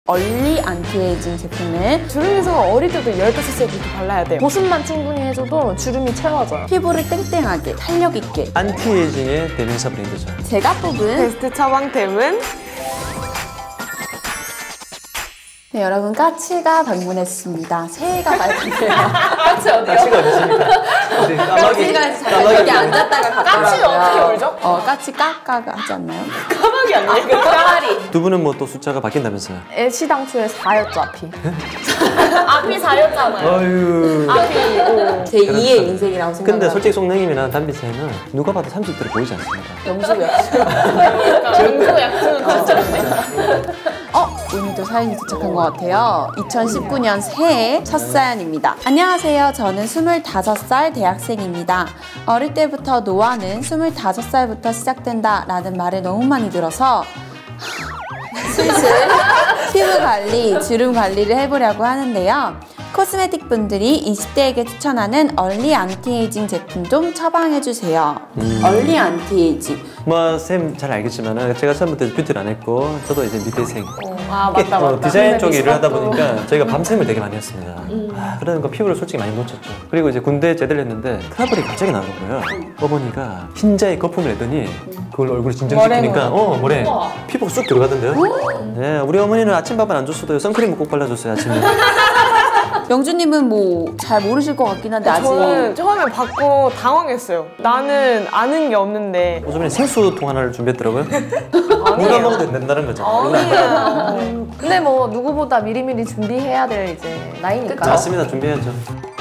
얼리 안티에이징 제품을 주름에서 어릴 때도 15살부터 발라야 돼요. 보습만 충분히 해줘도 주름이 채워져요. 피부를 땡땡하게 탄력 있게 안티에이징의 대명사 브랜드죠. 제가 뽑은 베스트 처방템은 네, 여러분 까치가 방문했습니다. 새해가 밝았네요. 까치 어디요? 까치가 어디 있습니까? 까치가 잠깐 여기 앉았다가 갔더라고요. 까치는 어떻게 울죠? 까치 까까가 하지 않나요? 까마귀 아니에요? 까마리. 두 분은 뭐 또 숫자가 바뀐다면서요? 애시당초에 4였죠, 앞이. 앞이 4였잖아요. 아유. 앞이 5. 제 2의 인생이라고 생각해요. 근데 솔직히 송냉님이나 담비 쌤은 누가 봐도 30대로 보이지 않습니다. 영수고요. 영수 약수는 그렇죠. 오늘도 사연이 도착한 것 같아요. 2019년 새해 첫 사연입니다. 안녕하세요. 저는 25살 대학생입니다. 어릴 때부터 노화는 25살부터 시작된다 라는 말을 너무 많이 들어서 슬슬 피부 관리, 주름 관리를 해보려고 하는데요. 코스메틱 분들이 20대에게 추천하는 얼리 안티에이징 제품 좀 처방해주세요. 얼리 안티에이징. 뭐 쌤 잘 알겠지만 제가 처음부터 뷰티를 안 했고 저도 이제 미대생 맞다. 디자인 쪽 일을 하다 보니까 저희가 밤샘을 되게 많이 했습니다. 그러니까 피부를 솔직히 많이 놓쳤죠. 그리고 이제 군대 제대를 했는데 트러블이 갑자기 나는 거예요. 어머니가 흰자에 거품을 내더니 그걸 얼굴에 진정시키니까 머리에 피부가 쑥 들어가던데요. 네, 우리 어머니는 아침밥은 안 줬어도 선크림을 꼭 발라줬어요, 아침에. 영주님은 뭐 잘 모르실 것 같긴 한데 아직 저는 처음에 받고 당황했어요. 나는 아는 게 없는데. 요즘에 생수통 하나를 준비했더라고요. 누가 먹어도 된다는 거죠. 아니에요. 근데 뭐 누구보다 미리미리 준비해야 될 이제 나이니까. 맞습니다. 준비해야죠.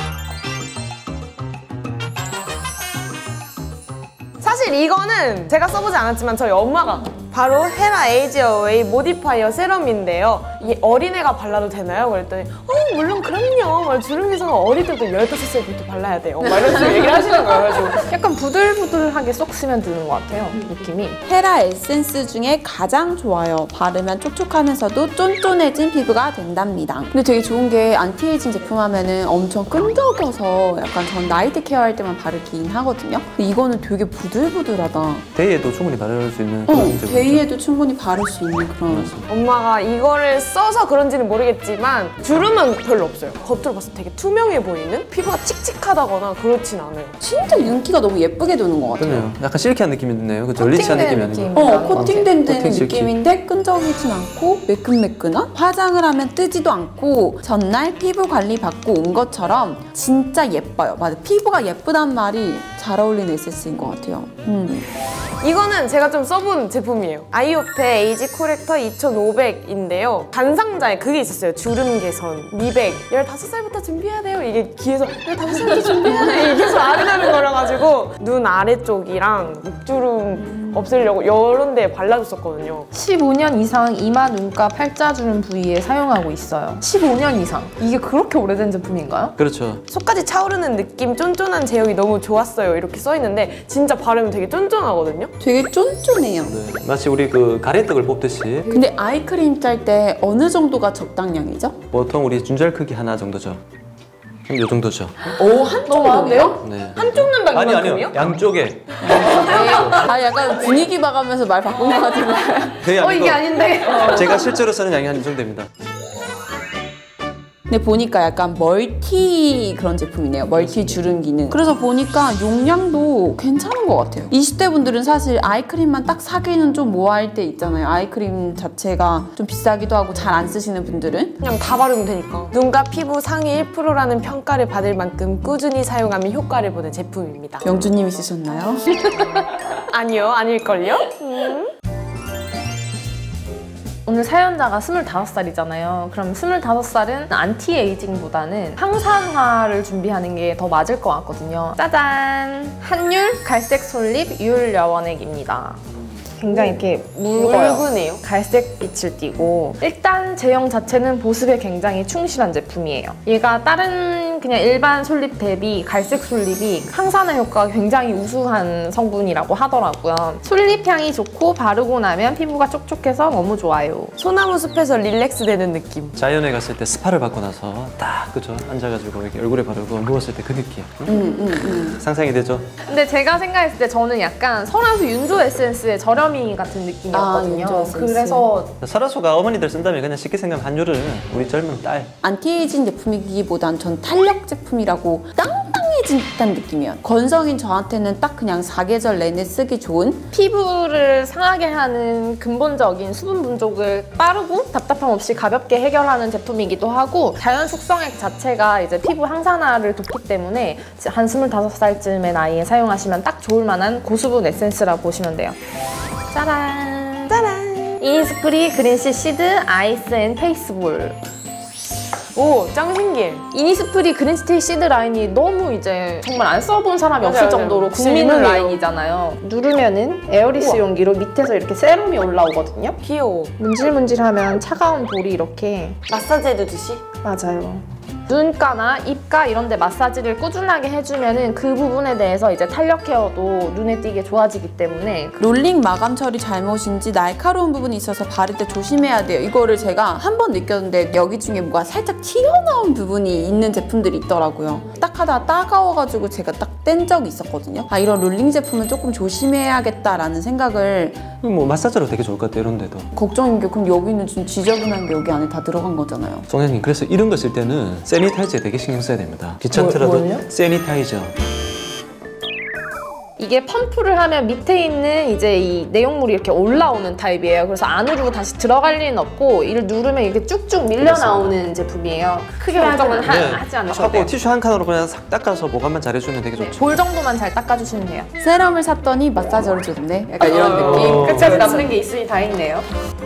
사실 이거는 제가 써보지 않았지만 저희 엄마가 바로 헤라 에이지 어웨이 모디파이어 세럼인데요. 이 어린애가 발라도 되나요? 그랬더니 물론 그럼요. 주름에서는 어릴 때도 15살부터 발라야 돼요. 막 이런 식으로 얘기를 하시는 거예요. 그래가지고 약간 부들부들하게 쏙 스면 드는 것 같아요. 느낌이. 헤라 에센스 중에 가장 좋아요. 바르면 촉촉하면서도 쫀쫀해진 피부가 된답니다. 근데 되게 좋은 게 안티에이징 제품 하면은 엄청 끈적여서 약간 전 나이트 케어할 때만 바르긴 하거든요. 근데 이거는 되게 부들부들하다. 데이에도 충분히 바를 수 있는 그런 제품이죠. 데이에도 충분히 바를 수 있는 그런. 엄마가 이거를 써서 그런지는 모르겠지만 주름은 별로 없어요. 겉으로 봤을 때 되게 투명해 보이는? 피부가 칙칙하다거나 그렇진 않아요. 진짜 윤기가 너무 예쁘게 도는 것 같아요. 그러네요. 약간 실키한 느낌이 드네요. 그쵸? 리치한 느낌이 아니고. 코팅된 코팅 실키. 느낌인데 끈적이진 않고 매끈매끈한? 화장을 하면 뜨지도 않고 전날 피부 관리 받고 온 것처럼 진짜 예뻐요. 맞아, 피부가 예쁘단 말이 잘 어울리는 에센스인 것 같아요. 이거는 제가 좀 써본 제품이에요. 아이오페 에이지 코렉터 2500인데요. 단상자에 그게 있었어요. 주름 개선, 미백. 15살부터 준비해야 돼요. 이게 귀에서 15살부터 준비해야 돼. 이게 계속 아른아른 거려가지고 눈 아래쪽이랑 목주름 없애려고 이런 데에 발라줬었거든요. 15년 이상 이마, 눈가, 팔자주름 부위에 사용하고 있어요. 15년 이상. 이게 그렇게 오래된 제품인가요? 그렇죠. 속까지 차오르는 느낌, 쫀쫀한 제형이 너무 좋았어요. 이렇게 써있는데 진짜 바르면 되게 쫀쫀하거든요. 되게 쫀쫀해요. 네. 마치 우리 그 가래떡을 뽑듯이 근데 아이크림 짤 때 어느 정도가 적당량이죠? 보통 우리 준절 크기 하나 정도죠. 이 정도죠. 오, 한쪽인데요? 네. 한쪽 눈만 아니요. 이만큼이요? 양쪽에. 약간 분위기 봐가면서 말 바꾼 것 같은데. 그게 아니고 이게 아닌데. 제가 실제로 쓰는 양이 한 이 정도입니다. 근데 보니까 약간 멀티 그런 제품이네요. 멀티 주름 기능. 그래서 보니까 용량도 괜찮은 것 같아요. 20대 분들은 사실 아이크림만 딱 사기는 좀 뭐할 때 있잖아요. 아이크림 자체가 좀 비싸기도 하고 잘 안 쓰시는 분들은 그냥 다 바르면 되니까. 눈과 피부 상위 1%라는 평가를 받을 만큼 꾸준히 사용하면 효과를 보는 제품입니다. 영주님이 쓰셨나요? 아니요, 아닐걸요? 오늘 사연자가 25살이잖아요. 그럼 25살은 안티에이징보다는 항산화를 준비하는 게 더 맞을 것 같거든요. 짜잔! 한율 갈색 솔립 유율 여원액입니다. 굉장히 이렇게 묽어요. 갈색 빛을 띠고 일단 제형 자체는 보습에 굉장히 충실한 제품이에요. 얘가 다른 다른 그냥 일반 솔립 대비 갈색 솔립이 항산화 효과가 굉장히 우수한 성분이라고 하더라고요. 솔립 향이 좋고 바르고 나면 피부가 촉촉해서 너무 좋아요. 소나무 숲에서 릴렉스 되는 느낌. 자연에 갔을 때 스파를 받고 나서 딱 그죠? 앉아가지고 이렇게 얼굴에 바르고 누웠을 때 그 느낌. 상상이 되죠? 근데 제가 생각했을 때 저는 약간 설화수 윤조 에센스의 저렴이 같은 느낌이었거든요. 윤조 에센스. 그래서 설화수가 어머니들 쓴다면 그냥 쉽게 생각하면 한유를 우리 젊은 딸. 안티에이징 제품이기보단 전 탄력 제품이라고 땅땅해진 듯한 느낌이에요. 건성인 저한테는 딱 그냥 사계절 내내 쓰기 좋은 피부를 상하게 하는 근본적인 수분 분족을 빠르고 답답함 없이 가볍게 해결하는 제품이기도 하고 자연 숙성액 자체가 이제 피부 항산화를 돕기 때문에 한 25살쯤의 나이에 사용하시면 딱 좋을 만한 고수분 에센스라고 보시면 돼요. 짜란! 짜란! 이니스프리 그린씨 시드 아이스 앤 페이스볼. 오, 짱 신기해. 이니스프리 그린스티 시드 라인이 너무 이제 정말 안 써본 사람이 맞아요, 없을 맞아요. 정도로 진짜 국민 유명해요. 라인이잖아요. 누르면은 에어리스 용기로 밑에서 이렇게 세럼이 올라오거든요. 귀여워. 문질문질하면 차가운 볼이 이렇게 마사지 해주듯이? 맞아요. 눈가나 입가 이런 데 마사지를 꾸준하게 해주면은 그 부분에 대해서 이제 탄력 케어도 눈에 띄게 좋아지기 때문에 롤링 마감 처리 잘못인지 날카로운 부분이 있어서 바를 때 조심해야 돼요. 이거를 제가 한 번 느꼈는데 여기 중에 뭐가 살짝 튀어나온 부분이 있는 제품들이 있더라고요. 딱 하다가 따가워가지고 제가 딱 뗀 적이 있었거든요. 아, 이런 롤링 제품은 조금 조심해야겠다라는 생각을 뭐 마사지로 되게 좋을 것 같아요. 이런 데도. 걱정인 게 그럼 여기는 좀 지저분한 게 여기 안에 다 들어간 거잖아요. 송현님 그래서 이런 거 쓸 때는 세니타이저에 되게 신경 써야 됩니다. 귀찮더라도 뭘요? 세니타이저. 이게 펌프를 하면 밑에 있는 이제 이 내용물이 이렇게 올라오는 타입이에요. 그래서 안으로 다시 들어갈 일은 없고 이를 누르면 이렇게 쭉쭉 밀려 나오는 제품이에요. 크게 걱정은 하지 않으셔도 하고 돼요. 티슈 한 칸으로 그냥 싹 닦아서 보관만 잘해주면 되게 좋죠. 볼 정도만 잘 닦아주시면 돼요. 세럼을 샀더니 마사저를 줬네. 약간 이런 느낌. 끝까지 남는 게 있으니 다행이네요.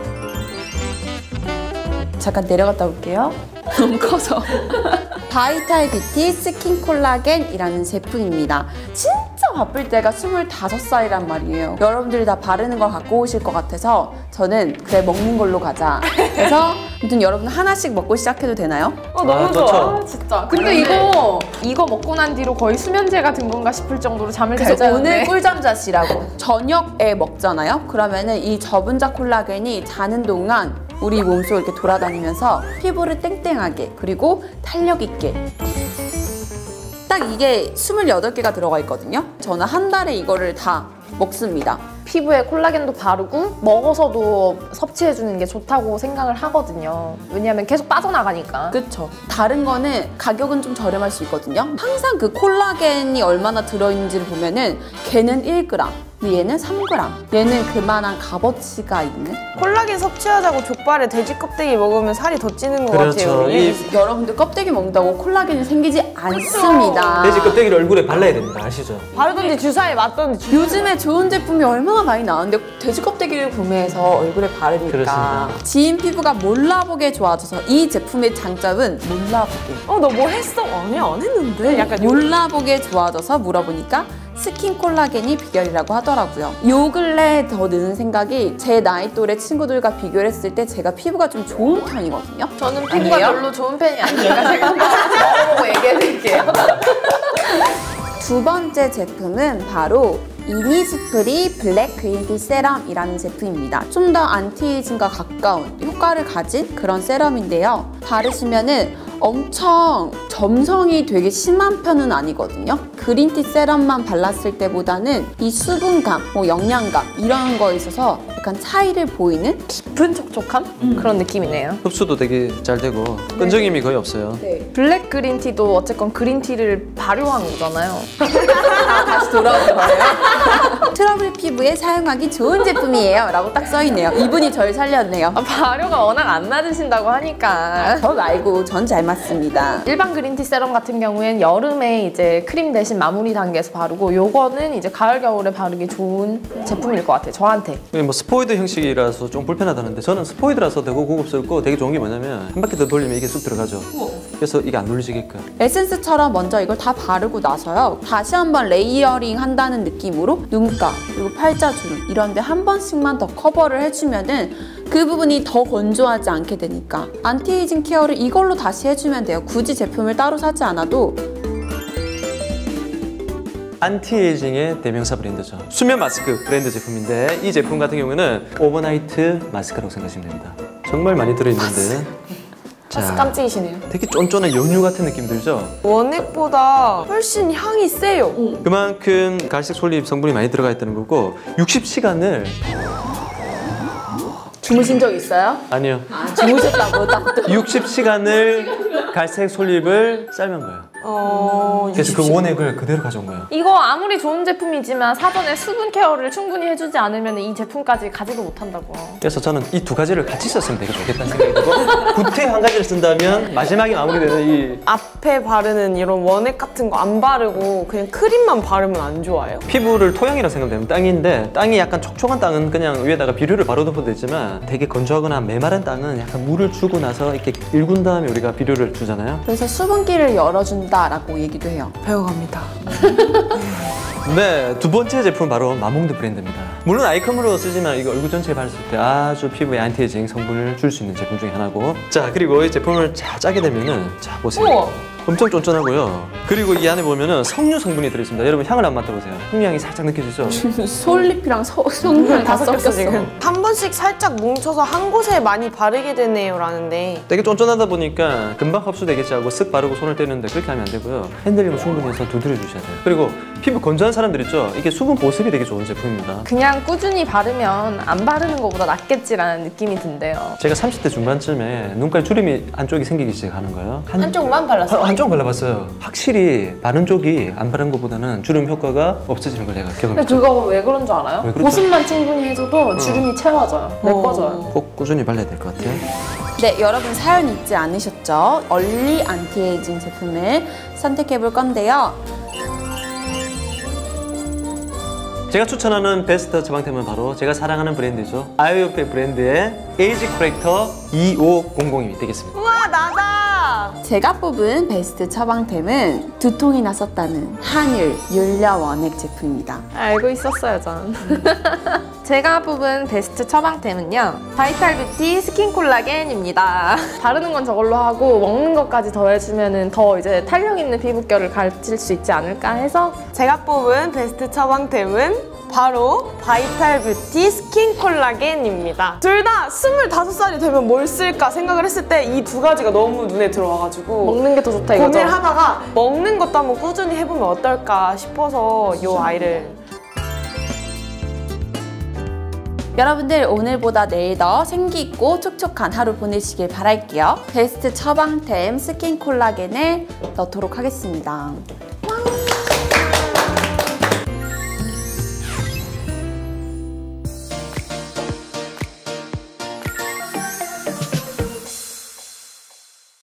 잠깐 내려갔다 올게요. 너무 커서. 바이탈 뷰티 스킨 콜라겐이라는 제품입니다. 진짜 바쁠 때가 25살이란 말이에요. 여러분들이 다 바르는 걸 갖고 오실 것 같아서 저는 그래 먹는 걸로 가자. 그래서 아무튼 여러분 하나씩 먹고 시작해도 되나요? 너무 좋죠. 좋아. 진짜. 근데 이거 먹고 난 뒤로 거의 수면제가 든 건가 싶을 정도로 잠을 잘 그래서 오늘 자는데. 꿀잠 자시라고. 저녁에 먹잖아요. 그러면은 이 저분자 콜라겐이 자는 동안 우리 몸속 이렇게 돌아다니면서 피부를 땡땡하게 그리고 탄력 있게 딱 이게 28개가 들어가 있거든요. 저는 한 달에 이거를 다 먹습니다. 피부에 콜라겐도 바르고 먹어서도 섭취해주는 게 좋다고 생각을 하거든요. 왜냐하면 계속 빠져나가니까. 그쵸. 다른 거는 가격은 좀 저렴할 수 있거든요. 항상 그 콜라겐이 얼마나 들어있는지를 보면은 걔는 1g, 얘는 3g, 얘는 그만한 값어치가 있는. 콜라겐 섭취하자고 족발에 돼지 껍데기 먹으면 살이 더 찌는 것 그렇죠. 같아요. 이 여러분들 껍데기 먹는다고 콜라겐이 생기지 않습니다. 돼지 껍데기를 얼굴에 발라야 됩니다. 아시죠? 바르던지 주사에 맞던지. 요즘에 좋은 제품이 얼마나 많이 나오는데 돼지 껍데기를 구매해서 얼굴에 바르니까 그렇습니다. 지인 피부가 몰라보게 좋아져서 이 제품의 장점은 몰라보게. 너 뭐 했어? 아니 안 했는데. 약간 몰라보게 좋아져서 물어보니까 스킨 콜라겐이 비결이라고 하더라고요. 요 근래 더 느는 생각이 제 나이 또래 친구들과 비교를 했을 때 제가 피부가 좀 좋은 편이거든요. 저는 피부가 아니에요? 별로 좋은 편이 아니니까 제가 한번 먹어보고 얘기해드릴게요. 두 번째 제품은 바로 이니스프리 블랙 그린티 세럼이라는 제품입니다. 좀 더 안티에이징과 가까운 효과를 가진 그런 세럼인데요. 바르시면은 엄청 점성이 되게 심한 편은 아니거든요. 그린티 세럼만 발랐을 때보다는 이 수분감, 뭐 영양감 이런 거에 있어서 약간 차이를 보이는 깊은 촉촉함? 그런 느낌이네요. 흡수도 되게 잘 되고 끈적임이 거의 없어요. 블랙 그린티도 어쨌건 그린티를 발효한 거잖아요. 다시 돌아오는 거예요. 트러블 피부에 사용하기 좋은 제품이에요 라고 딱 써있네요. 이분이 절 살렸네요. 발효가 워낙 안 맞으신다고 하니까. 저 말고 전 잘 맞습니다. 일반 그린티 세럼 같은 경우엔 여름에 이제 크림 대신 마무리 단계에서 바르고 요거는 이제 가을 겨울에 바르기 좋은 제품일 것 같아요. 저한테. 이게 뭐 스포이드 형식이라서 좀 불편하다는데 저는 스포이드라서 되게 고급스럽고 되게 좋은 게 뭐냐면 한 바퀴 더 돌리면 이게 쑥 들어가죠. 그래서 이게 안 눌리지게끔. 에센스처럼 먼저 이걸 다 바르고 나서요. 다시 한번 레이어링 한다는 느낌으로 눈가 그리고 팔자주름 이런 데 한 번씩만 더 커버를 해주면은 그 부분이 더 건조하지 않게 되니까 안티에이징 케어를 이걸로 다시 해주면 돼요. 굳이 제품을 따로 사지 않아도. 안티에이징의 대명사 브랜드죠. 수면 마스크 브랜드 제품인데 이 제품 같은 경우는 오버나이트 마스크라고 생각하시면 됩니다. 정말 많이 들어있는데 깜찍이시네요. 되게 쫀쫀한 연유 같은 느낌 들죠? 원액보다 훨씬 향이 세요. 그만큼 갈색 솔잎 성분이 많이 들어가 있다는 거고 60시간을 주무신 적 있어요? 아니요. 주무셨다고 딱 60시간을 갈색 솔잎을 삶은 거예요. 그래서 그 원액을 그대로 가져온 거예요. 이거 아무리 좋은 제품이지만 사전에 수분 케어를 충분히 해주지 않으면 이 제품까지 가지도 못한다고. 그래서 저는 이 두 가지를 같이 썼으면 되게 좋겠다는 생각이 들고 구태 한 가지를 쓴다면 마지막에 마무리되는 이 앞에 바르는 이런 원액 같은 거 안 바르고 그냥 크림만 바르면 안 좋아요? 피부를 토양이라고 생각하면 땅인데 땅이 약간 촉촉한 땅은 그냥 위에다가 비료를 바로덮어도 되지만 되게 건조하거나 메마른 땅은 약간 물을 주고 나서 이렇게 일군 다음에 우리가 비료를 주잖아요. 그래서 수분기를 열어준다라고 얘기도 해요. 배워갑니다. 네, 두 번째 제품은 바로 마몽드 브랜드입니다. 물론 아이컴으로 쓰지만 이거 얼굴 전체에 바르실 때 아주 피부에 안티에이징 성분을 줄 수 있는 제품 중에 하나고 자, 그리고 이 제품을 자 짜게 되면은 자, 보세요. 우와. 엄청 쫀쫀하고요. 그리고 이 안에 보면은 석류 성분이 들어있습니다. 여러분 향을 한번 맡아보세요. 석류향이 살짝 느껴지죠? 솔잎이랑 성분이 다 섞였어. 한 번씩 살짝 뭉쳐서 한 곳에 많이 바르게 되네요 라는데 되게 쫀쫀하다 보니까 금방 흡수되겠지 하고 쓱 바르고 손을 떼는데 그렇게 하면 안 되고요. 핸들링을 충분히 해서 두드려 주셔야 돼요. 그리고 피부 건조한 사람들 있죠? 이게 수분 보습이 되게 좋은 제품입니다. 그냥 꾸준히 바르면 안 바르는 것보다 낫겠지라는 느낌이 든대요. 제가 30대 중반쯤에 눈깔 주름이 안쪽이 생기기 시작하는 거예요. 한쪽만 발랐어요? 한쪽 발라봤어요. 확실히 바른 쪽이 안 바른 것보다는 주름 효과가 없어지는 걸 내가 근데 경험했죠. 그거 왜 그런 줄 알아요? 왜 그렇죠? 보습만 충분히 해줘도 주름이 채워져요. 메꿔져요. 꼭 꾸준히 발라야 될 것 같아요. 네, 여러분 사연 잊지 않으셨죠? 얼리 안티에이징 제품을 선택해 볼 건데요. 제가 추천하는 베스트 처방템은 바로 제가 사랑하는 브랜드죠. 아이오페 브랜드의 에이지 코렉터 2500이 되겠습니다. 우와 나다! 제가 뽑은 베스트 처방템은 두통이나 썼다는 한율 윤려 원액 제품입니다. 알고 있었어요, 전. 제가 뽑은 베스트 처방템은요. 바이탈 뷰티 스킨 콜라겐입니다. 바르는 건 저걸로 하고 먹는 것까지 더해주면 더 이제 탄력 있는 피부결을 가질 수 있지 않을까 해서 제가 뽑은 베스트 처방템은 바로 바이탈 뷰티 스킨 콜라겐입니다. 둘 다 25살이 되면 뭘 쓸까 생각을 했을 때 이 두 가지가 너무 눈에 들어와가지고 먹는 게 더 좋다 이거죠? 고민을 하다가 먹는 것도 한번 꾸준히 해보면 어떨까 싶어서 이 아이를 여러분들 오늘보다 내일 더 생기있고 촉촉한 하루 보내시길 바랄게요. 베스트 처방템 스킨 콜라겐을 넣도록 하겠습니다.